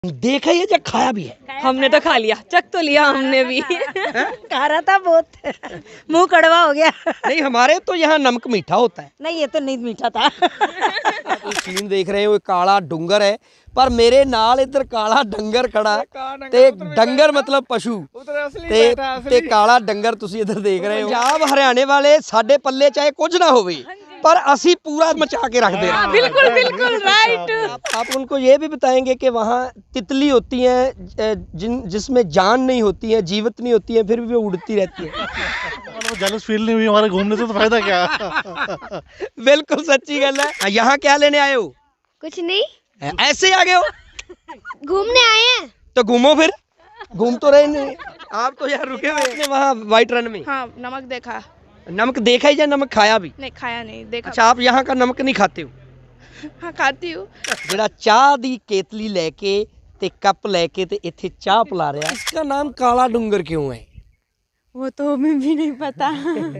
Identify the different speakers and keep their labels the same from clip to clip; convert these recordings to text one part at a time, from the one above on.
Speaker 1: देखा ये जब खाया भी है।
Speaker 2: हमने तो खा लिया, चख तो लिया हमने भी।
Speaker 3: खा रहा था बहुत मुंह कड़वा हो गया।
Speaker 1: नहीं हमारे तो यहाँ नमक मीठा होता है।
Speaker 3: नहीं ये तो नहीं मीठा था।
Speaker 1: आप सीन देख रहे हो काला डूंगर है पर मेरे नाल इधर काला डंगर खड़ा ते डंगर मतलब पशु ते काला डंगर तुसी इधर देख रहे हो। पंजाब हरियाणे वाले साडे पल्ले चाहे कुछ ना होवे पर असी पूरा मचा के रख दे।
Speaker 2: बिल्कुल बिल्कुल राइट।
Speaker 1: आप उनको ये भी बताएंगे कि वहाँ तितली होती हैं जिसमें जान नहीं होती है, जीवित नहीं होती है, फिर भी वो उड़ती रहती है।
Speaker 4: जेलस फील नहीं हुई हमारे घूमने से तो फायदा क्या।
Speaker 1: बिल्कुल सच्ची गल है। यहाँ क्या लेने आए हो?
Speaker 5: कुछ नहीं,
Speaker 1: ऐसे ही आ गए हो?
Speaker 5: घूमने आए हैं।
Speaker 1: तो घूमो फिर, घूम तो रहे नहीं आप तो यार रुके हुए हैं वहाँ व्हाइट रन में।
Speaker 2: हाँ नमक देखा।
Speaker 1: नमक देखा ही या नमक खाया भी?
Speaker 2: नहीं खाया नहीं, देखा।
Speaker 1: अच्छा आप यहाँ का नमक नहीं खाते हो?
Speaker 2: हाँ खाती हूँ।
Speaker 1: ਜਿਹੜਾ ਚਾਹ ਦੀ ਕੇਤਲੀ ਲੈ ਕੇ ਤੇ ਕੱਪ ਲੈ ਕੇ ਤੇ ਇੱਥੇ ਚਾਹ ਪਿਲਾ ਰਿਹਾ, इसका नाम काला डूंगर क्यों है?
Speaker 2: वो तो हमें भी नहीं पता।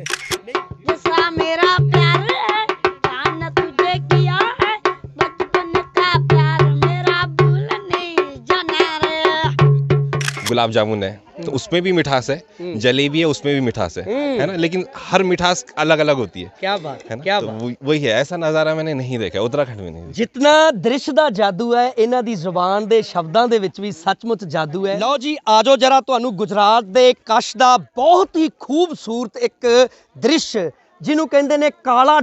Speaker 5: जैसा मेरा प्यार है जान तुझे किया है, बचपन का प्यार मेरा भूल नहीं जाना रे।
Speaker 6: गुलाब जामुन है तो उसमें भी मिठास है, जलेबी है उसमें भी मिठास है ना, लेकिन हर मिठास अलग अलग होती है।
Speaker 1: क्या बात
Speaker 6: है ना,
Speaker 1: क्या
Speaker 6: तो
Speaker 1: बात।
Speaker 6: वही है, ऐसा नज़ारा मैंने नहीं देखा उत्तराखंड में नहीं।
Speaker 1: ਜਿਤਨਾ ਦ੍ਰਿਸ਼ ਦਾ ਜਾਦੂ ਹੈ ਇਹਨਾਂ ਦੀ ਜ਼ੁਬਾਨ ਦੇ ਸ਼ਬਦਾਂ ਦੇ ਵਿੱਚ ਵੀ ਸੱਚਮੁੱਚ ਜਾਦੂ ਹੈ। ਲਓ ਜੀ ਆਜੋ ਜਰਾ ਤੁਹਾਨੂੰ ਗੁਜਰਾਤ ਦੇ ਕਸ਼ ਦਾ ਬਹੁਤ ਹੀ ਖੂਬਸੂਰਤ ਇੱਕ ਦ੍ਰਿਸ਼ ਜਿਹਨੂੰ ਕਹਿੰਦੇ ਨੇ ਕਾਲਾ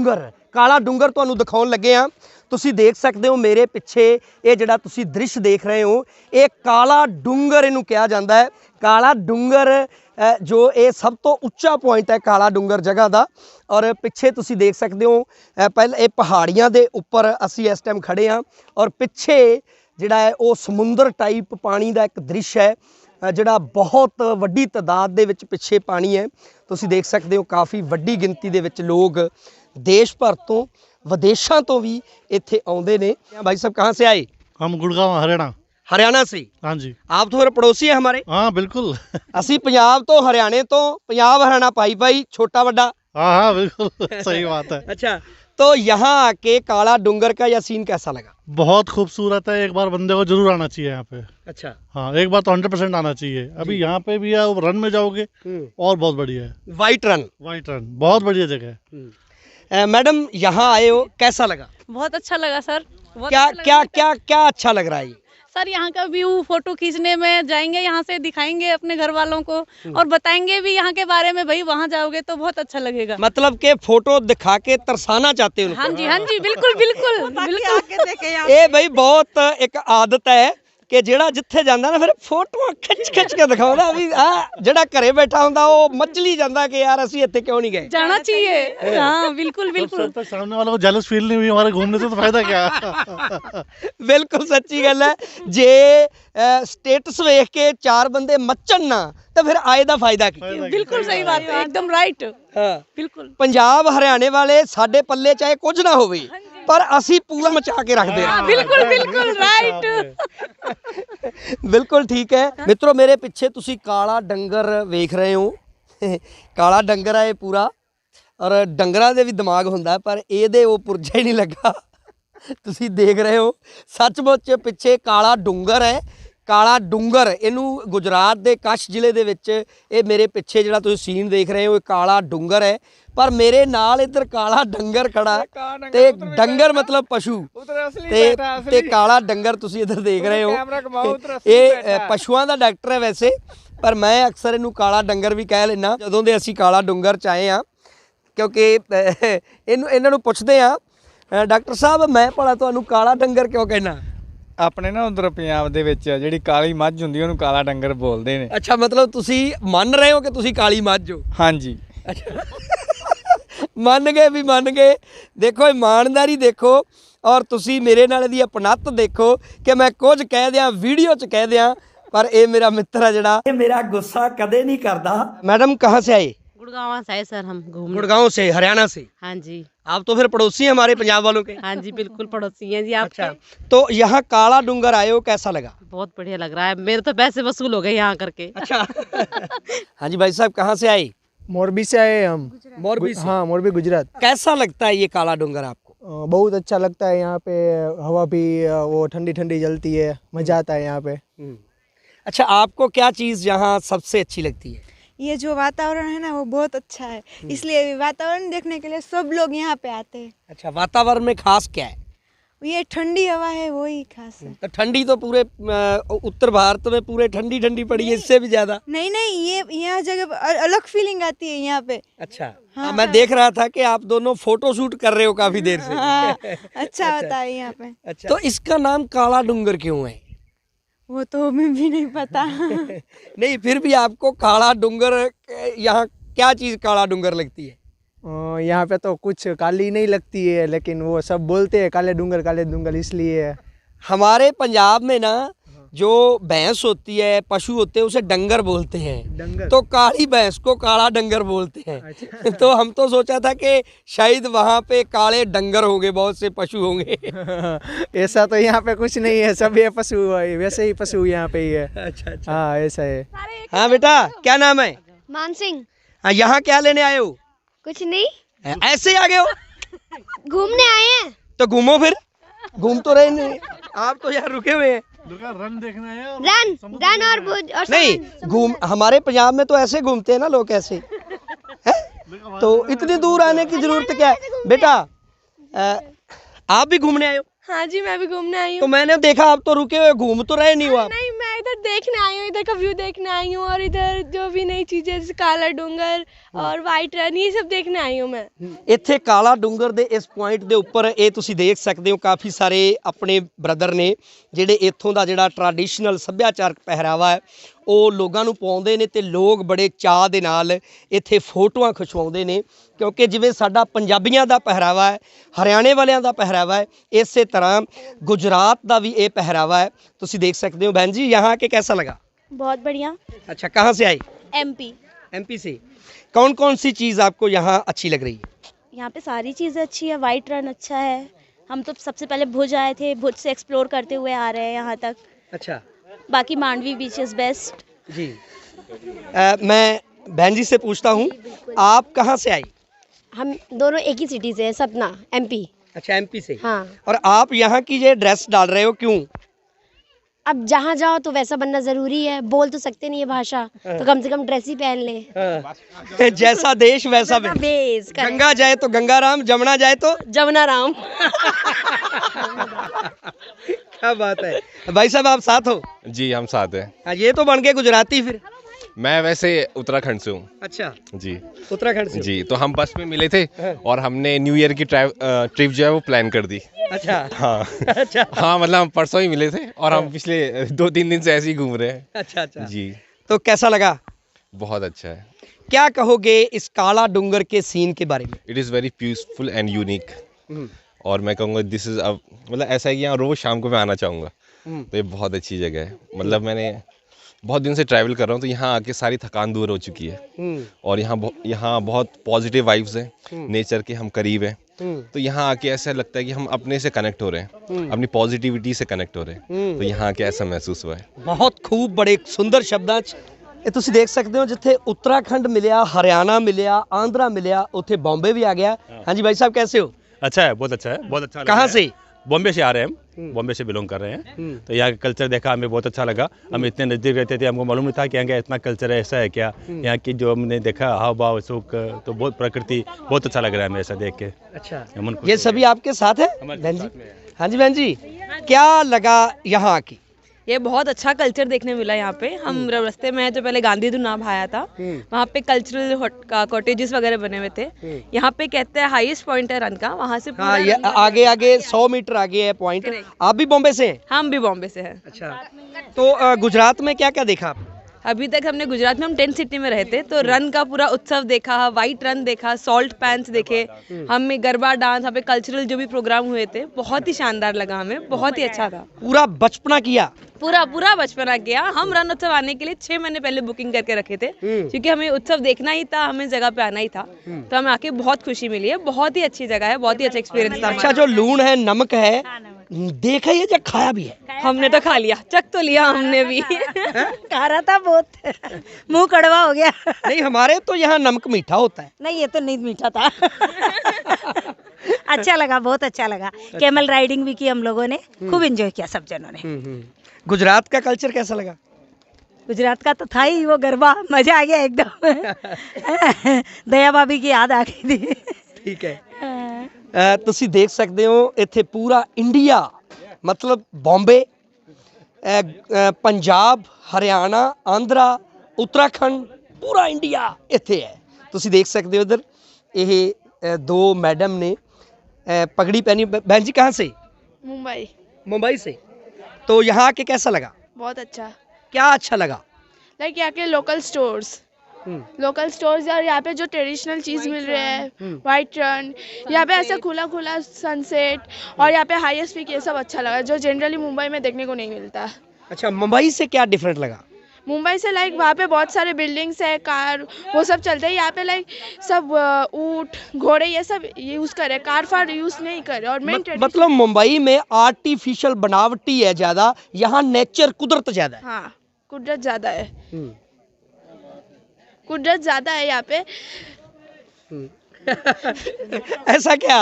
Speaker 1: ਡੂੰਗਰ ਤੁਹਾਨੂੰ ਦਿਖਾਉਣ ਲੱਗੇ ਆ। ਤੁਸੀਂ ਦੇਖ ਸਕਦੇ ਹੋ ਮੇਰੇ ਪਿੱਛੇ ਇਹ ਜਿਹੜਾ ਤੁਸੀਂ ਦ੍ਰਿਸ਼ ਦੇਖ ਰਹੇ ਹੋ ਇਹ ਕਾਲਾ ਡੂੰਗਰ ਇਹਨੂੰ ਕਿਹਾ ਜਾਂਦਾ ਹੈ। ਕਾਲਾ ਡੂੰਗਰ ਜੋ ਇਹ ਸਭ ਤੋਂ ਉੱਚਾ ਪੁਆਇੰਟ ਹੈ ਕਾਲਾ ਡੂੰਗਰ ਜਗ੍ਹਾ ਦਾ। ਔਰ ਪਿੱਛੇ ਤੁਸੀਂ ਦੇਖ ਸਕਦੇ ਹੋ ਪਹਿਲਾਂ ਇਹ ਪਹਾੜੀਆਂ ਦੇ ਉੱਪਰ ਅਸੀਂ ਇਸ ਟਾਈਮ ਖੜੇ ਹਾਂ ਔਰ ਪਿੱਛੇ ਜਿਹੜਾ ਹੈ ਉਹ ਸਮੁੰਦਰ ਟਾਈਪ ਪਾਣੀ ਦਾ ਇੱਕ ਦ੍ਰਿਸ਼ ਹੈ ਜਿਹੜਾ ਬਹੁਤ ਵੱਡੀ ਤਾਦਾਦ ਦੇ ਵਿੱਚ ਪਿੱਛੇ ਪਾਣੀ ਹੈ। ਤੁਸੀਂ ਦੇਖ ਸਕਦੇ ਹੋ ਕਾਫੀ ਵੱਡੀ ਗਿਣਤੀ ਦੇ ਵਿੱਚ ਲੋਕ ਦੇਸ਼ ਭਰ ਤੋਂ विदेशों तो भी इत्थे आउंदे ने। भाई साहब कहाँ से आए?
Speaker 4: हम गुड़गांव
Speaker 1: हरियाणा से।
Speaker 4: हाँ जी।
Speaker 1: आप तो फिर पड़ोसी है हमारे।
Speaker 4: हाँ बिल्कुल।
Speaker 1: असी पंजाब तो हरियाणे तो पंजाब हरियाणा पाई छोटा बड़ा।
Speaker 4: हाँ हाँ बिल्कुल सही बात है।
Speaker 1: अच्छा तो यहाँ आके काला डूंगर का यह सीन कैसा लगा?
Speaker 4: बहुत खूबसूरत है, एक बार बंदे को जरूर आना चाहिए यहाँ पे।
Speaker 1: अच्छा
Speaker 4: हाँ एक बार तो 100% आना चाहिए। अभी यहाँ पे भी है, रन में जाओगे और बहुत बढ़िया है।
Speaker 1: वाइट रन
Speaker 4: बहुत बढ़िया जगह है।
Speaker 1: मैडम यहाँ आए हो कैसा लगा?
Speaker 2: बहुत अच्छा लगा सर।
Speaker 1: क्या अच्छा लग रहा है?
Speaker 2: सर यहाँ का व्यू फोटो खींचने में जाएंगे, यहाँ से दिखाएंगे अपने घर वालों को और बताएंगे भी यहाँ के बारे में। भाई वहाँ जाओगे तो बहुत अच्छा लगेगा।
Speaker 1: मतलब के फोटो दिखा के तरसाना चाहते हो?
Speaker 2: हाँ जी बिल्कुल बिल्कुल बिल्कुल।
Speaker 1: ये भाई बहुत एक आदत है कि ਜਿਹੜਾ ਜਿੱਥੇ ਜਾਂਦਾ ਨਾ ਫਿਰ ਫੋਟੋਆਂ ਖਿੱਚ ਕੇ ਦਿਖਾਉਂਦਾ ਵੀ ਆ ਜਿਹੜਾ ਘਰੇ ਬੈਠਾ ਹੁੰਦਾ ਉਹ ਮੱਚਲੀ ਜਾਂਦਾ ਕਿ ਯਾਰ ਅਸੀਂ ਇੱਥੇ ਕਿਉਂ ਨਹੀਂ ਗਏ।
Speaker 2: जाना चाहिए। हाँ बिल्कुल बिल्कुल।
Speaker 4: जब तक सामने वालों को जेलस फील नहीं हुई हमारे घूमने से तो फायदा क्या।
Speaker 1: बिल्कुल सच्ची गल है। जे स्टेटस वेख के चार बंदे मचन ना तो फिर आए दा फायदा की।
Speaker 2: बिल्कुल सही बात है, एकदम राइट।
Speaker 1: हाँ
Speaker 2: बिल्कुल।
Speaker 1: पंजाब हरियाणे वाले साडे पल्ले चाहे कुछ ना होवे पर असी पूरा मचा के रख दे।
Speaker 2: बिल्कुल बिल्कुल राइट।
Speaker 1: बिल्कुल ठीक है मित्रों, मेरे पिछे तुसी काला डंगर वेख रहे हो। काला डंगर है पूरा और डंगरां दे भी दिमाग हुंदा पर ਇਹਦੇ ਉਹ ਪੁਰਜਾ ਹੀ नहीं लगा। तुसी देख रहे हो सचमुच पिछे काला डूंगर है। ਕਾਲਾ ਡੂੰਗਰ ਇਹਨੂੰ ਗੁਜਰਾਤ ਦੇ ਕਸ਼ ਜ਼ਿਲ੍ਹੇ ਦੇ ਵਿੱਚ ਇਹ ਮੇਰੇ ਪਿੱਛੇ ਜਿਹੜਾ ਤੁਸੀਂ ਸੀਨ ਦੇਖ ਰਹੇ ਹੋ ਇਹ ਕਾਲਾ ਡੂੰਗਰ ਹੈ ਪਰ ਮੇਰੇ ਨਾਲ ਇੱਧਰ ਕਾਲਾ ਡੰਗਰ ਖੜਾ ਤੇ ਡੰਗਰ ਮਤਲਬ ਪਸ਼ੂ ਤੇ ਕਾਲਾ ਡੰਗਰ ਤੁਸੀਂ ਇੱਧਰ ਦੇਖ ਰਹੇ ਹੋ। ਇਹ ਪਸ਼ੂਆਂ ਦਾ ਡਾਕਟਰ ਹੈ ਵੈਸੇ ਪਰ ਮੈਂ ਅਕਸਰ ਇਹਨੂੰ ਕਾਲਾ ਡੰਗਰ ਵੀ ਕਹਿ ਲੈਣਾ ਜਦੋਂ ਦੇ ਅਸੀਂ ਕਾਲਾ ਡੂੰਗਰ ਚ ਆਏ ਆ ਕਿਉਂਕਿ ਇਹਨਾਂ ਨੂੰ ਪੁੱਛਦੇ ਆ ਡਾਕਟਰ ਸਾਹਿਬ ਮੈਂ ਭਲਾ ਤੁਹਾਨੂੰ ਕਾਲਾ ਡੰਗਰ ਕਿਉਂ ਕਹਿਣਾ?
Speaker 7: ਆਪਣੇ ਨਾ ਉਧਰ ਪੰਜਾਬ ਦੇ ਵਿੱਚ ਜਿਹੜੀ ਕਾਲੀ ਮੱਝ ਹੁੰਦੀ ਉਹਨੂੰ ਕਾਲਾ ਡੰਗਰ ਬੋਲਦੇ ਨੇ।
Speaker 1: ਅੱਛਾ ਮਤਲਬ ਤੁਸੀਂ ਮੰਨ ਰਹੇ ਹੋ ਕਿ ਤੁਸੀਂ ਕਾਲੀ ਮੱਝ ਹੋ?
Speaker 7: ਹਾਂਜੀ
Speaker 1: ਮੰਨ ਗਏ। ਦੇਖੋ ਇਮਾਨਦਾਰੀ ਦੇਖੋ ਔਰ ਤੁਸੀਂ ਮੇਰੇ ਨਾਲ ਇਹਦੀ ਅਪਣੱਤ ਦੇਖੋ ਕਿ ਮੈਂ ਕੁਝ ਕਹਿ ਦਿਆਂ ਵੀਡੀਓ 'ਚ ਕਹਿ ਦਿਆਂ ਪਰ ਇਹ ਮੇਰਾ ਮਿੱਤਰ ਹੈ ਜਿਹੜਾ ਇਹ ਮੇਰਾ ਗੁੱਸਾ ਕਦੇ ਨਹੀਂ ਕਰਦਾ। मैडम कहाँ से आए?
Speaker 3: गुड़गांव से आए सर हम घूमने।
Speaker 1: गुड़गांव से, हरियाणा से।
Speaker 3: हाँ जी।
Speaker 1: आप तो फिर पड़ोसी हैं हमारे पंजाब वालों के।
Speaker 3: हाँ जी बिल्कुल पड़ोसी हैं जी आपके।
Speaker 1: अच्छा तो यहाँ काला डूंगर आए हो कैसा लगा?
Speaker 3: बहुत बढ़िया लग रहा है, मेरे तो पैसे वसूल हो गए यहाँ करके।
Speaker 1: अच्छा हाँ जी भाई साहब कहाँ से आए?
Speaker 8: मोरबी से आए हम।
Speaker 1: मोरबी से?
Speaker 8: हाँ मोरबी गुजरात।
Speaker 1: कैसा लगता है ये काला डूंगर आपको?
Speaker 8: बहुत अच्छा लगता है यहाँ पे, हवा भी वो ठंडी ठंडी चलती है, मज़ा आता है यहाँ पे।
Speaker 1: अच्छा, आपको क्या चीज़ यहाँ सबसे अच्छी लगती है?
Speaker 9: ये जो वातावरण है ना वो बहुत अच्छा है, इसलिए वातावरण देखने के लिए सब लोग यहाँ पे आते हैं।
Speaker 1: अच्छा, वातावरण में खास क्या है?
Speaker 9: ये ठंडी हवा है वही खास है।
Speaker 1: तो ठंडी तो पूरे उत्तर भारत में पूरे ठंडी ठंडी पड़ी है, इससे भी ज्यादा।
Speaker 9: नहीं नहीं, ये यहाँ जगह अलग फीलिंग आती है यहाँ पे।
Speaker 1: अच्छा, हाँ, मैं देख रहा था कि आप दोनों फोटो शूट कर रहे हो काफी देर से।
Speaker 9: हाँ, अच्छा होता है यहाँ पे।
Speaker 1: अच्छा, तो इसका नाम काला डूंगर क्यों है?
Speaker 9: वो तो हमें भी नहीं पता।
Speaker 1: नहीं, फिर भी आपको काला डूंगर, यहाँ क्या चीज काला डूंगर लगती है?
Speaker 8: यहाँ पे तो कुछ काली नहीं लगती है, लेकिन वो सब बोलते हैं काले डूंगर, इसलिए। हमारे
Speaker 1: पंजाब में ना जो भैंस होती है, पशु होते हैं, उसे डंगर बोलते हैं।
Speaker 8: डंगर।
Speaker 1: तो काली भैंस को काला डंगर बोलते हैं। अच्छा। तो हम तो सोचा था कि शायद वहाँ पे काले डंगर होंगे, बहुत से पशु होंगे।
Speaker 8: ऐसा तो यहाँ पे कुछ नहीं है, सब ये पशु है, वैसे ही पशु यहाँ पे ही है।
Speaker 1: अच्छा अच्छा,
Speaker 8: हाँ ऐसा है।
Speaker 1: हाँ बेटा, क्या नाम है?
Speaker 5: मान सिंह।
Speaker 1: हाँ, यहाँ क्या लेने आए हो?
Speaker 5: कुछ नहीं,
Speaker 1: ऐसे ही आ गए हो?
Speaker 5: घूमने आए हैं।
Speaker 1: तो घूमो फिर, घूम तो रहे नहीं, आप तो यार रुके हुए हैं।
Speaker 4: रन देखना है और
Speaker 5: रन और भुज और
Speaker 1: नहीं घूम, हमारे पंजाब में तो ऐसे घूमते हैं ना लोग, ऐसे है? तो इतनी दूर आने की जरूरत क्या है? बेटा, आप भी घूमने आए हो?
Speaker 9: हाँ जी, मैं भी घूमने आई
Speaker 1: तो मैंने देखा आप तो रुके हुए, घूम तो रहे नहीं हो आप।
Speaker 9: नहीं, मैं इधर देखने आई हूँ, इधर का व्यू देखने आई हूँ, और इधर जो भी नई चीजें जैसे काला डूंगर और वाइट रन, ये सब देखने आई हूँ मैं।
Speaker 1: ਇੱਥੇ ਕਾਲਾ ਡੂੰਗਰ ਦੇ ਇਸ ਪੁਆਇੰਟ ਦੇ ਉੱਪਰ ਇਹ ਤੁਸੀਂ ਦੇਖ ਸਕਦੇ ਹੋ, ਕਾਫੀ ਸਾਰੇ ਆਪਣੇ ਬ੍ਰਦਰ ਨੇ ਜਿਹੜੇ ਇੱਥੋਂ ਦਾ ਜਿਹੜਾ ਟ੍ਰੈਡੀਸ਼ਨਲ ਸੱਭਿਆਚਾਰਕ ਪਹਿਰਾਵਾ ਹੈ ਉਹ ਲੋਕਾਂ ਨੂੰ ਪਾਉਂਦੇ ਨੇ, ਤੇ ਲੋਕ ਬੜੇ ਚਾਅ ਦੇ ਨਾਲ ਇੱਥੇ ਫੋਟੋਆਂ ਖਿਚਵਾਉਂਦੇ ਨੇ, ਕਿਉਂਕਿ ਜਿਵੇਂ ਸਾਡਾ ਪੰਜਾਬੀਆਂ ਦਾ ਪਹਿਰਾਵਾ ਹੈ, ਹਰਿਆਣੇ ਵਾਲਿਆਂ ਦਾ ਪਹਿਰਾਵਾ ਹੈ, ਇਸੇ ਤਰ੍ਹਾਂ ਗੁਜਰਾਤ ਦਾ ਵੀ ਇਹ ਪਹਿਰਾਵਾ ਹੈ। ਤੁਸੀਂ ਦੇਖ ਸਕਦੇ ਹੋ। बहन जी, यहाँ के कैसा लगा?
Speaker 2: बहुत बढ़िया।
Speaker 1: अच्छा, कहाँ से आई?
Speaker 2: एमपी।
Speaker 1: एमपी से। कौन कौन सी चीज़ आपको यहाँ अच्छी लग रही है?
Speaker 2: यहाँ पे सारी चीज़ें अच्छी है, वाइट रन अच्छा है। हम तो सबसे पहले भुज आए थे, भुज से एक्सप्लोर करते हुए आ रहे हैं यहाँ तक।
Speaker 1: अच्छा,
Speaker 2: बाकी मांडवी बीच इज बेस्ट
Speaker 1: जी। मैं बहन जी से पूछता हूँ, आप कहाँ से आई?
Speaker 5: हम दोनों एक ही सिटी से हैं, सतना, एमपी।
Speaker 1: अच्छा, एमपी से।
Speaker 5: हाँ।
Speaker 1: और आप यहाँ की ये ड्रेस डाल रहे हो, क्यों?
Speaker 5: अब जहाँ जाओ तो वैसा बनना जरूरी है, बोल तो सकते नहीं है भाषा, तो कम से कम ड्रेस ही पहन ले।
Speaker 1: हाँ। जैसा देश वैसा
Speaker 5: बेस।
Speaker 1: गंगा जाए तो गंगा राम, जमुना जाए तो
Speaker 5: जमुना राम।
Speaker 1: क्या बात है। भाई साहब, आप साथ हो?
Speaker 6: जी, हम साथ हैं।
Speaker 1: हाँ, ये तो बन गए गुजराती फिर।
Speaker 6: मैं वैसे उत्तराखंड से हूँ।
Speaker 1: अच्छा
Speaker 6: जी,
Speaker 1: उत्तराखंड से।
Speaker 6: जी, तो हम बस में मिले थे और हमने न्यू ईयर की ट्रिप जो है वो प्लान कर दी।
Speaker 1: अच्छा।
Speaker 6: हाँ।
Speaker 1: अच्छा।
Speaker 6: हाँ, मतलब हम परसों ही मिले थे और हम पिछले 2-3 दिन से ऐसे ही घूम रहे हैं।
Speaker 1: अच्छा अच्छा
Speaker 6: जी,
Speaker 1: तो कैसा लगा?
Speaker 6: बहुत अच्छा है।
Speaker 1: क्या कहोगे इस काला डूंगर के सीन के बारे में?
Speaker 6: It is very peaceful and unique. और मैं कहूँगा दिस इज़ मतलब ऐसा है कि यहाँ रोज़ शाम को मैं आना चाहूँगा। तो ये बहुत अच्छी जगह है। मतलब मैंने बहुत दिन से ट्रैवल कर रहा हूँ, तो यहाँ आके सारी थकान दूर हो चुकी है। और यहाँ बहुत पॉजिटिव वाइब्स हैं, नेचर के हम करीब हैं। तो यहाँ आके ऐसा लगता है कि हम अपने से कनेक्ट हो रहे हैं, अपनी पॉजिटिविटी से कनेक्ट हो रहे हैं। तो यहाँ आके ऐसा महसूस हुआ है।
Speaker 1: बहुत खूब, बड़े सुंदर शब्दां 'ਚ ਇਹ ਤੁਸੀਂ ਦੇਖ ਸਕਦੇ ਹੋ, ਜਿੱਥੇ उत्तराखंड मिलिया, हरियाणा मिलिया, आंध्रा मिलिया, उत्थे बॉम्बे भी आ गया। हाँ जी भाई साहब, कैसे हो?
Speaker 10: अच्छा है, बहुत अच्छा है, बहुत अच्छा।
Speaker 1: कहाँ से?
Speaker 10: बॉम्बे से आ रहे हैं हम, बॉम्बे से बिलोंग कर रहे हैं। तो यहाँ का कल्चर देखा, हमें बहुत अच्छा लगा। हम इतने नज़दीक रहते थे, हमको मालूम नहीं था कि यहाँ का इतना कल्चर है, ऐसा है क्या। यहाँ की जो हमने देखा हाव भाव सुख, तो बहुत प्रकृति बहुत अच्छा लग रहा है हमें ऐसा देख के।
Speaker 1: अच्छा,
Speaker 10: मन खुश
Speaker 1: ये
Speaker 10: हो
Speaker 1: सभी
Speaker 10: गया।
Speaker 1: आपके साथ है
Speaker 10: हमारे
Speaker 1: बहन
Speaker 10: साथ
Speaker 1: जी?
Speaker 10: में है।
Speaker 1: हाँ जी बहन जी, क्या लगा यहाँ आके?
Speaker 11: ये बहुत अच्छा कल्चर देखने मिला यहाँ पे। हम रास्ते में जो पहले गांधी नाम आया था, वहाँ पे कल्चरल कॉटेजेस वगैरह बने हुए थे। यहाँ पे कहते हैं हाईएस्ट पॉइंट है रन का, वहाँ से
Speaker 1: हाँ, ये आगे आगे 100 मीटर आगे है पॉइंट। आप भी बॉम्बे से हैं?
Speaker 11: हम भी बॉम्बे से हैं।
Speaker 1: अच्छा, तो गुजरात में क्या क्या देखा आप?
Speaker 11: अभी तक हमने गुजरात में हम टेंट सिटी में रहते, तो रन का पूरा उत्सव देखा, वाइट रन देखा, सॉल्ट पैंस देखे, हमें गरबा डांस, यहाँ पे कल्चरल जो भी प्रोग्राम हुए थे, बहुत ही शानदार लगा हमें, बहुत ही अच्छा था।
Speaker 1: पूरा बचपना किया?
Speaker 11: पूरा बचपना किया। हम रन उत्सव आने के लिए 6 महीने पहले बुकिंग करके रखे थे, क्योंकि हमें उत्सव देखना ही था, हमें जगह पे आना ही था। तो हमें आके बहुत खुशी मिली है, बहुत ही अच्छी जगह है, बहुत ही अच्छा एक्सपीरियंस था।
Speaker 1: अच्छा, जो लूण है, नमक है, देखा ही है या खाया भी है?
Speaker 11: हमने तो खा लिया, चख तो लिया हमने भी।
Speaker 3: खा रहा था बहुत मुंह कड़वा हो गया।
Speaker 1: नहीं, हमारे तो यहाँ नमक मीठा होता है।
Speaker 3: नहीं, ये तो नहीं मीठा था। अच्छा लगा, बहुत अच्छा लगा। कैमल राइडिंग भी की हम लोगों ने, खूब एंजॉय किया सब जनों ने।
Speaker 1: गुजरात का कल्चर कैसा लगा?
Speaker 3: गुजरात का तो था ही वो गरबा, मजा आ गया एकदम। दया भाभी की याद आ गई थी।
Speaker 1: ठीक है। ਤੁਸੀਂ ਦੇਖ ਸਕਦੇ ਹੋ ਇੱਥੇ ਪੂਰਾ ਇੰਡੀਆ, ਮਤਲਬ ਬੰਬੇ, ਪੰਜਾਬ, ਹਰਿਆਣਾ, ਆਂਧਰਾ, ਉੱਤਰਾਖੰਡ, ਪੂਰਾ ਇੰਡੀਆ ਇੱਥੇ ਹੈ। ਤੁਸੀਂ ਦੇਖ ਸਕਦੇ ਹੋ इधर ਇਹ दो मैडम ने पगड़ी पहनी। बहन जी कहाँ से?
Speaker 9: मुंबई।
Speaker 1: मुंबई से। तो यहाँ आके कैसा लगा?
Speaker 9: बहुत अच्छा।
Speaker 1: क्या अच्छा लगा?
Speaker 9: लाइक यहाँ के लोकल स्टोर्स और यहाँ पे जो ट्रेडिशनल चीज़ मिल रहे हैं, वाइट रन, यहाँ पे ऐसा खुला खुला सनसेट, और यहाँ पे हाईएस्ट पीक, ये सब अच्छा लगा जो जनरली मुंबई में देखने को नहीं मिलता।
Speaker 1: अच्छा, मुंबई से क्या डिफरेंट लगा?
Speaker 9: मुंबई से लाइक वहाँ पे बहुत सारे बिल्डिंग्स है, कार, वो सब चलते हैं। यहाँ पे लाइक सब ऊँट, घोड़े, ये सब यूज़ करे, कार फार यूज़ नहीं करे। और मेन
Speaker 1: मतलब मुंबई में आर्टिफिशियल बनावटी है ज़्यादा, यहाँ नेचर, कुदरत ज़्यादा है।
Speaker 9: हाँ, कुदरत ज़्यादा है, कुदरत ज़्यादा है यहाँ पे।
Speaker 1: ऐसा क्या?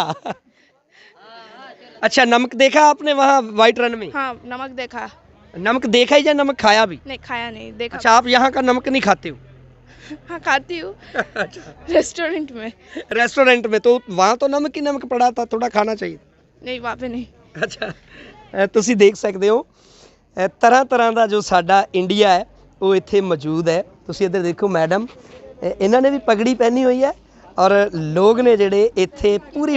Speaker 1: अच्छा, नमक देखा आपने वहाँ वाइट रन में?
Speaker 9: हाँ, नमक देखा।
Speaker 1: नमक देखा ही या नमक खाया भी?
Speaker 9: नहीं, खाया नहीं, देखा।
Speaker 1: अच्छा, आप यहाँ का नमक नहीं खाते हो?
Speaker 9: हाँ, खाती हूँ। रेस्टोरेंट में।
Speaker 1: रेस्टोरेंट में तो वहाँ तो नमक ही नमक पड़ा था, थोड़ा खाना चाहिए।
Speaker 9: नहीं, वहाँ पे नहीं।
Speaker 1: अच्छा, ਤੁਸੀਂ ਦੇਖ ਸਕਦੇ ਹੋ ਤਰ੍ਹਾਂ ਤਰ੍ਹਾਂ ਦਾ ਜੋ ਸਾਡਾ ਇੰਡੀਆ ਹੈ ਉਹ ਇੱਥੇ ਮੌਜੂਦ ਹੈ। ਤੁਸੀਂ ਇੱਧਰ ਦੇਖੋ ਮੈਡਮ, ਇਹਨਾਂ ਨੇ ਵੀ ਪਗੜੀ ਪਹਿਨੀ ਹੋਈ ਹੈ, ਔਰ ਲੋਕ ਨੇ ਜਿਹੜੇ ਇੱਥੇ ਪੂਰੀ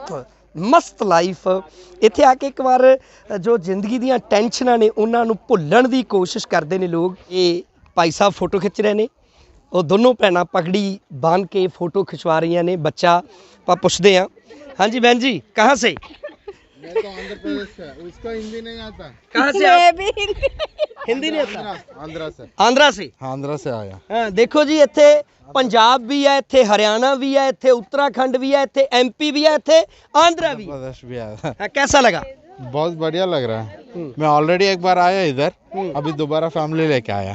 Speaker 1: ਮਸਤ ਲਾਈਫ ਇੱਥੇ ਆ ਕੇ ਇੱਕ ਵਾਰ ਜੋ ਜ਼ਿੰਦਗੀ ਦੀਆਂ ਟੈਨਸ਼ਨਾਂ ਨੇ ਉਹਨਾਂ ਨੂੰ ਭੁੱਲਣ ਦੀ ਕੋਸ਼ਿਸ਼ ਕਰਦੇ ਨੇ ਲੋਕ। ਇਹ ਭਾਈ ਸਾਹਿਬ ਫੋਟੋ ਖਿੱਚ ਰਹੇ ਨੇ, ਉਹ ਦੋਨੋਂ ਭੈਣਾਂ ਪਗੜੀ ਬੰਨ੍ਹ ਕੇ ਫੋਟੋ ਖਿਚਵਾ ਰਹੀਆਂ ਨੇ। ਬੱਚਾ ਆਪਾਂ ਪੁੱਛਦੇ ਹਾਂ। ਹਾਂਜੀ बहन जी, कहाँ से?
Speaker 12: मैं तो आंध्र प्रदेश से, उसको हिंदी नहीं आता।
Speaker 1: कहाँ से आप? हिंदी नहीं आता?
Speaker 12: आंध्रा से।
Speaker 1: आंध्रा से?
Speaker 12: हाँ, आंध्रा से आया।
Speaker 1: हाँ, देखो जी, इत्थे पंजाब भी है, इत्थे हरियाणा भी है, इत्थे उत्तराखंड भी है, इत्थे MP भी है, इत्थे आंध्रा भी।
Speaker 12: प्रदेश भी आया।
Speaker 1: कैसा लगा?
Speaker 12: बहुत बढ़िया लग रहा है। मैं ऑलरेडी एक बार आया इधर, अभी दोबारा फैमिली लेके आया।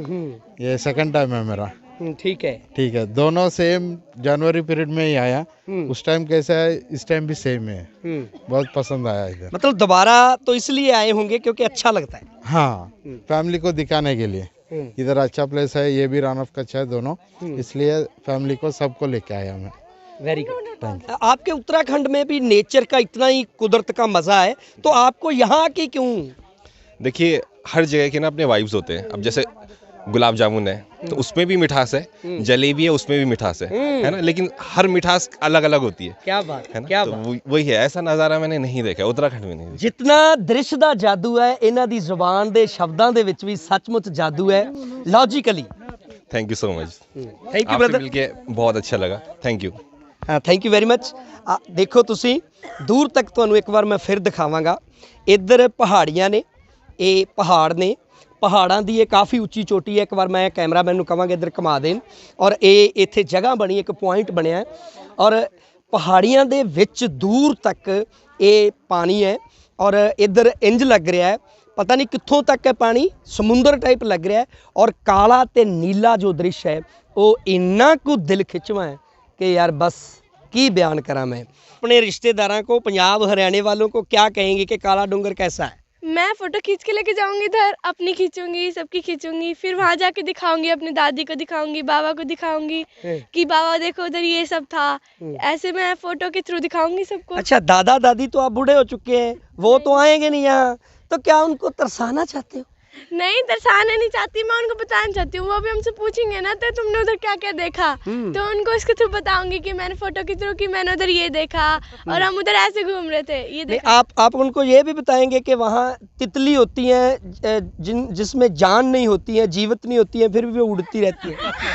Speaker 12: ये सेकंड टाइम है मेरा।
Speaker 1: ठीक है,
Speaker 12: ठीक है। दोनों सेम जनवरी पीरियड में ही आया। उस टाइम कैसा है, इस टाइम भी सेम है। बहुत पसंद आया इधर।
Speaker 1: मतलब दोबारा तो इसलिए आए होंगे क्योंकि अच्छा लगता है।
Speaker 12: हाँ, फैमिली को दिखाने के लिए। इधर अच्छा प्लेस है, ये भी रन ऑफ कच्छ है दोनों, इसलिए फैमिली को सबको लेके आया मैं।
Speaker 1: Very good. आपके उत्तराखंड में भी नेचर का इतना ही कुदरत का मजा है, तो आपको यहाँ की क्यों?
Speaker 6: देखिए, हर जगह के ना अपने वाइब्स होते हैं। अब जैसे गुलाब जामुन है तो उसमें भी मिठास है, जलेबी है उसमें भी मिठास है ना, लेकिन हर मिठास अलग अलग होती है।
Speaker 1: क्या बात
Speaker 6: है ना?
Speaker 1: क्या
Speaker 6: तो
Speaker 1: बात?
Speaker 6: वही है, ऐसा नज़ारा मैंने नहीं देखा उत्तराखंड में नहीं।
Speaker 1: जितना दृश्य ਦਾ ਜਾਦੂ ਹੈ, ਇਹਨਾਂ ਦੀ ਜ਼ੁਬਾਨ ਦੇ ਸ਼ਬਦਾਂ ਦੇ ਵਿੱਚ ਵੀ ਸੱਚਮੁੱਚ ਜਾਦੂ ਹੈ। Logically
Speaker 6: thank you so much.
Speaker 1: Thank you
Speaker 6: आपसे
Speaker 1: ब्रदर,
Speaker 6: मिलके बहुत अच्छा लगा। Thank you.
Speaker 1: हाँ, थैंक यू वेरी मच। देखो ਤੁਸੀਂ दूर तक ਤੁਹਾਨੂੰ ਇੱਕ ਵਾਰ ਮੈਂ ਫਿਰ ਦਿਖਾਵਾਂਗਾ। ਇੱਧਰ ਪਹਾੜੀਆਂ ਨੇ, ਇਹ ਪਹਾੜ ਨੇ, ਪਹਾੜਾਂ ਦੀ ਇਹ ਕਾਫੀ ਉੱਚੀ ਚੋਟੀ ਹੈ। ਇੱਕ ਵਾਰ ਮੈਂ ਕੈਮਰਾਮੈਨ ਨੂੰ ਕਹਾਂਗਾ ਇੱਧਰ ਘੁਮਾ ਦੇਣ। ਔਰ ਇਹ ਇੱਥੇ ਜਗ੍ਹਾ ਬਣੀ, ਇੱਕ ਪੁਆਇੰਟ ਬਣਿਆ ਔਰ ਪਹਾੜੀਆਂ ਦੇ ਵਿੱਚ ਦੂਰ ਤੱਕ ਇਹ ਪਾਣੀ ਹੈ। ਔਰ ਇੱਧਰ ਇੰਜ ਲੱਗ ਰਿਹਾ ਹੈ, ਪਤਾ ਨਹੀਂ ਕਿੱਥੋਂ ਤੱਕ ਹੈ ਪਾਣੀ, ਸਮੁੰਦਰ ਟਾਈਪ ਲੱਗ ਰਿਹਾ ਹੈ। ਔਰ ਕਾਲਾ ਤੇ ਨੀਲਾ ਜੋ ਦ੍ਰਿਸ਼ ਹੈ ਉਹ ਇੰਨਾ ਕੁ ਦਿਲ ਖਿੱਚਵਾਂ ਹੈ कि यार बस की बयान करा मैं। अपने रिश्तेदारों को, पंजाब हरियाणा वालों को क्या कहेंगे कि काला डूंगर कैसा है?
Speaker 9: मैं फोटो खींच के लेके जाऊंगी इधर, अपनी खींचूंगी, सबकी खींचूंगी, फिर वहाँ जाके दिखाऊंगी, अपनी दादी को दिखाऊंगी, बाबा को दिखाऊंगी कि बाबा देखो उधर ये सब था। ऐसे मैं फोटो के थ्रू दिखाऊंगी सबको।
Speaker 1: अच्छा, दादा दादी तो आप बूढ़े हो चुके हैं, वो तो आएंगे नहीं यहाँ, तो क्या उनको तरसाना चाहते हो?
Speaker 9: नहीं, दर्शाना नहीं चाहती मैं, उनको बताना चाहती हूँ। वो भी हमसे पूछेंगे ना तो तुमने उधर क्या क्या देखा, तो उनको इसके थ्रू बताऊंगी कि मैंने फोटो के थ्रू कि मैंने उधर ये देखा और हम उधर ऐसे घूम रहे थे, ये देखा।
Speaker 1: आप उनको ये भी बताएंगे कि वहाँ तितली होती हैं जिसमें जान नहीं होती है, जीवित नहीं होती है, फिर भी वो उड़ती रहती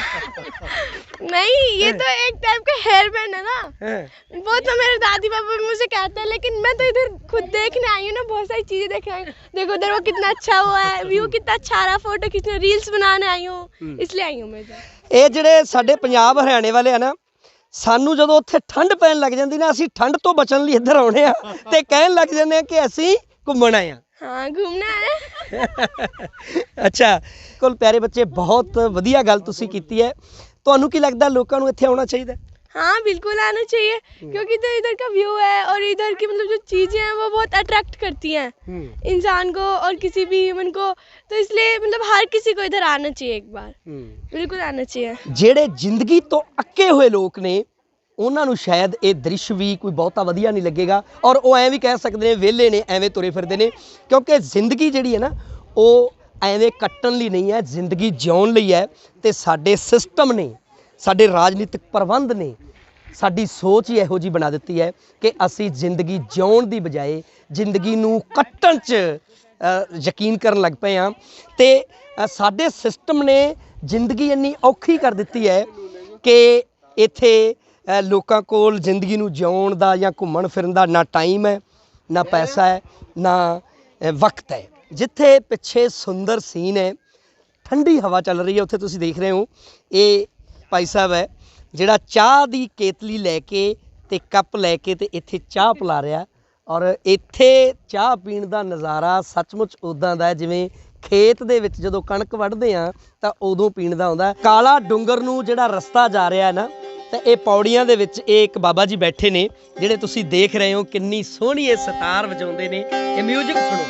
Speaker 1: है।
Speaker 9: नहीं, ये तो एक टाइप का हेयर बैंड है ना, वो तो मेरे दादी पापा भी मुझे कहते हैं, लेकिन मैं तो इधर खुद देखने आई हूँ ना, बहुत सारी चीजें देखने आई हूँ। देखो उधर वो कितना अच्छा हुआ है, व्यू कितना अच्छा आ रहा, फोटो खींचने, रील्स बनाने आई हूँ, इसलिए आई हूँ मैं।
Speaker 1: ਇਹ ਜਿਹੜੇ ਸਾਡੇ ਪੰਜਾਬ ਹਰਿਆਣੇ ਵਾਲੇ ਆ ਨਾ, ਸਾਨੂੰ ਜਦੋਂ ਉੱਥੇ ਠੰਡ ਪੈਣ ਲੱਗ ਜਾਂਦੀ ਨਾ, ਅਸੀਂ ਠੰਡ ਤੋਂ ਬਚਣ ਲਈ ਇੱਧਰ ਆਉਣੇ ਆ ਤੇ ਕਹਿਣ ਲੱਗ ਜਾਂਦੇ ਆ ਕਿ ਅਸੀਂ ਘੁੰਮਣ ਆਏ ਆ।
Speaker 9: हाँ घूमना है।
Speaker 1: ਅੱਛਾ ਕੋਲ ਪਿਆਰੇ ਬੱਚੇ, ਬਹੁਤ ਵਧੀਆ ਗੱਲ ਤੁਸੀਂ ਕੀਤੀ ਹੈ। ਤੁਹਾਨੂੰ ਕੀ ਲੱਗਦਾ ਲੋਕਾਂ ਨੂੰ ਇੱਥੇ ਆਉਣਾ ਚਾਹੀਦਾ?
Speaker 9: हाँ बिल्कुल आना चाहिए, क्योंकि इधर इधर का व्यू है और इधर की मतलब जो चीज़ें हैं वो बहुत अट्रैक्ट करती हैं इंसान को और किसी भी ह्यूमन को, तो इसलिए मतलब हर किसी को इधर आना चाहिए, एक बार बिल्कुल आना चाहिए।
Speaker 1: ਜਿਹੜੇ ਜ਼ਿੰਦਗੀ ਤੋਂ ਅੱਕੇ ਹੋਏ ਲੋਕ ਨੇ ਉਹਨਾਂ ਨੂੰ ਸ਼ਾਇਦ ਇਹ ਦ੍ਰਿਸ਼ ਵੀ ਕੋਈ ਬਹੁਤਾ ਵਧੀਆ ਨਹੀਂ ਲੱਗੇਗਾ, ਔਰ ਉਹ ਐਂ ਵੀ ਕਹਿ ਸਕਦੇ ਨੇ ਵਿਹਲੇ ਨੇ, ਐਵੇਂ ਤੁਰੇ ਫਿਰਦੇ ਨੇ, ਕਿਉਂਕਿ ਜ਼ਿੰਦਗੀ ਜਿਹੜੀ ਹੈ ਨਾ ਉਹ ਐਵੇਂ ਕੱਟਣ ਲਈ ਨਹੀਂ ਹੈ, ਜ਼ਿੰਦਗੀ ਜਿਉਣ ਲਈ ਹੈ। ਤੇ ਸਾਡੇ ਸਿਸਟਮ ਨੇ, ਸਾਡੇ ਰਾਜਨੀਤਿਕ ਪ੍ਰਬੰਧ ਨੇ ਸਾਡੀ ਸੋਚ ਹੀ ਇਹੋ ਜਿਹੀ ਬਣਾ ਦਿੱਤੀ ਹੈ ਕਿ ਅਸੀਂ ਜ਼ਿੰਦਗੀ ਜਿਉਣ ਦੀ ਬਜਾਏ ਜ਼ਿੰਦਗੀ ਨੂੰ ਕੱਟਣ 'ਚ ਯਕੀਨ ਕਰਨ ਲੱਗ ਪਏ ਹਾਂ। ਤੇ ਸਾਡੇ ਸਿਸਟਮ ਨੇ ਜ਼ਿੰਦਗੀ ਇੰਨੀ ਔਖੀ ਕਰ ਦਿੱਤੀ ਹੈ ਕਿ ਇੱਥੇ ਲੋਕਾਂ ਕੋਲ ਜ਼ਿੰਦਗੀ ਨੂੰ ਜਿਉਣ ਦਾ ਜਾਂ ਘੁੰਮਣ ਫਿਰਨ ਦਾ ਨਾ ਟਾਈਮ ਹੈ, ਨਾ ਪੈਸਾ ਹੈ, ਨਾ ਵਕਤ ਹੈ। ਜਿੱਥੇ ਪਿੱਛੇ ਸੁੰਦਰ ਸੀਨ ਹੈ, ਠੰਡੀ ਹਵਾ ਚੱਲ ਰਹੀ ਹੈ, ਉੱਥੇ ਤੁਸੀਂ ਦੇਖ ਰਹੇ ਹੋ ਇਹ ਭਾਈ ਸਾਹਿਬ ਹੈ ਜਿਹੜਾ ਚਾਹ ਦੀ ਕੇਤਲੀ ਲੈ ਕੇ ਤੇ ਕੱਪ ਲੈ ਕੇ ਤੇ ਇੱਥੇ ਚਾਹ ਪਿਲਾ ਰਿਹਾ, ਔਰ ਇੱਥੇ ਚਾਹ ਪੀਣ ਦਾ ਨਜ਼ਾਰਾ ਸੱਚਮੁੱਚ ਉੱਦਾਂ ਦਾ ਜਿਵੇਂ ਖੇਤ ਦੇ ਵਿੱਚ ਜਦੋਂ ਕਣਕ ਵੱਢਦੇ ਆ ਤਾਂ ਉਦੋਂ ਪੀਣ ਦਾ ਆਉਂਦਾ। ਕਾਲਾ ਡੂੰਗਰ ਨੂੰ ਜਿਹੜਾ ਰਸਤਾ ਜਾ ਰਿਹਾ ਹੈ ਨਾ, ਤਾਂ ਇਹ ਪੌੜੀਆਂ ਦੇ ਵਿੱਚ ਇਹ ਇੱਕ ਬਾਬਾ ਜੀ ਬੈਠੇ ਨੇ ਜਿਹੜੇ ਤੁਸੀਂ ਦੇਖ ਰਹੇ ਹੋ, ਕਿੰਨੀ ਸੋਹਣੀ ਇਹ ਸਿਤਾਰ ਵਜਾਉਂਦੇ ਨੇ। ਇਹ ਮਿਊਜ਼ਿਕ ਸੁਣੋ,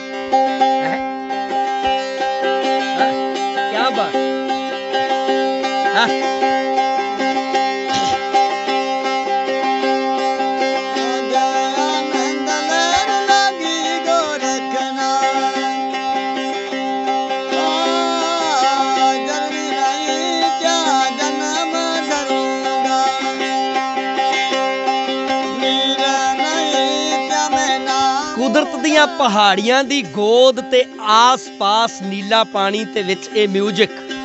Speaker 1: ਕੀ ਬਾਤ ਹੈ। ਕੁਦਰਤ ਦੀਆਂ ਪਹਾੜੀਆਂ ਦੀ ਗੋਦ ਤੇ ਆਸ-ਪਾਸ ਨੀਲਾ ਪਾਣੀ ਤੇ ਵਿੱਚ ਇਹ ਮਿਊਜ਼ਿਕ।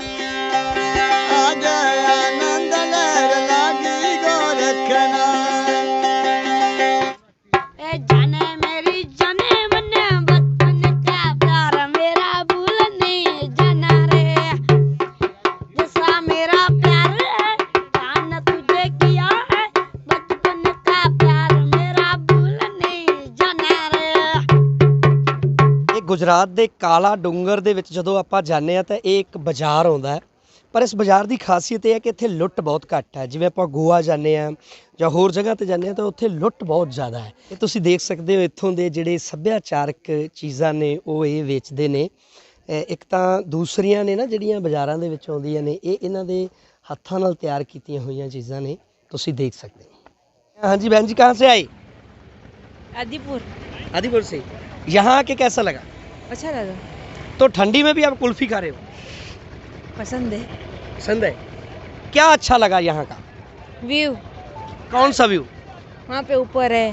Speaker 1: ਗੁਜਰਾਤ ਦੇ ਕਾਲਾ ਡੂੰਗਰ ਦੇ ਵਿੱਚ ਜਦੋਂ ਆਪਾਂ ਜਾਂਦੇ ਹਾਂ ਤਾਂ ਇਹ ਇੱਕ ਬਾਜ਼ਾਰ ਆਉਂਦਾ ਹੈ, ਪਰ ਇਸ ਬਾਜ਼ਾਰ ਦੀ ਖਾਸੀਅਤ ਇਹ ਹੈ ਕਿ ਇੱਥੇ ਲੁੱਟ ਬਹੁਤ ਘੱਟ ਹੈ। ਜਿਵੇਂ ਆਪਾਂ ਗੋਆ ਜਾਂਦੇ ਹਾਂ ਜਾਂ ਹੋਰ ਜਗ੍ਹਾ ਤੇ ਜਾਂਦੇ ਹਾਂ ਤਾਂ ਉੱਥੇ ਲੁੱਟ ਬਹੁਤ ਜ਼ਿਆਦਾ ਹੈ। ਇਹ ਤੁਸੀਂ ਦੇਖ ਸਕਦੇ ਹੋ ਇੱਥੋਂ ਦੇ ਜਿਹੜੇ ਸੱਭਿਆਚਾਰਕ ਚੀਜ਼ਾਂ ਨੇ ਉਹ ਇਹ ਵੇਚਦੇ ਨੇ। ਇੱਕ ਤਾਂ ਦੂਸਰੀਆਂ ਨੇ ਨਾ ਜਿਹੜੀਆਂ ਬਾਜ਼ਾਰਾਂ ਦੇ ਵਿੱਚ ਆਉਂਦੀਆਂ ਨੇ, ਇਹ ਇਹਨਾਂ ਦੇ ਹੱਥਾਂ ਨਾਲ ਤਿਆਰ ਕੀਤੀਆਂ ਹੋਈਆਂ ਚੀਜ਼ਾਂ ਨੇ, ਤੁਸੀਂ ਦੇਖ ਸਕਦੇ ਹੋ। ਹਾਂਜੀ बहन जी, कहाँ से आई?
Speaker 11: आदिपुर।
Speaker 1: आदिपुर से। यहाँ आके कैसा लगा?
Speaker 11: अच्छा लगा।
Speaker 1: तो ठंडी में भी आप कुल्फी खा रहे हो?
Speaker 11: पसंद है।
Speaker 1: पसंद है। क्या अच्छा लगा यहाँ का?
Speaker 11: व्यू।
Speaker 1: कौन सा व्यू?
Speaker 11: वहाँ पे ऊपर है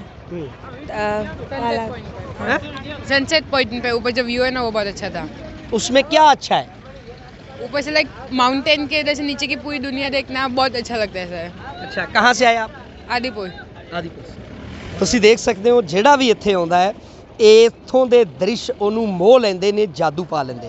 Speaker 13: सनसेट पॉइंट पे ऊपर जो व्यू है ना वो बहुत अच्छा था।
Speaker 1: उसमें क्या अच्छा है?
Speaker 13: ऊपर से लाइक माउंटेन के इधर से नीचे की पूरी दुनिया देखना बहुत अच्छा लगता है सर।
Speaker 1: अच्छा, कहाँ से आए आप?
Speaker 13: आदिपुर।
Speaker 1: आदिपुर से। ਤੁਸੀਂ ਦੇਖ ਸਕਦੇ ਹੋ ਜਿਹੜਾ ਵੀ ਇੱਥੇ ਆਉਂਦਾ ਹੈ ਇੱਥੋਂ ਦੇ ਦ੍ਰਿਸ਼ ਉਹਨੂੰ ਮੋਹ ਲੈਂਦੇ ਨੇ, ਜਾਦੂ ਪਾ ਲੈਂਦੇ ਨੇ।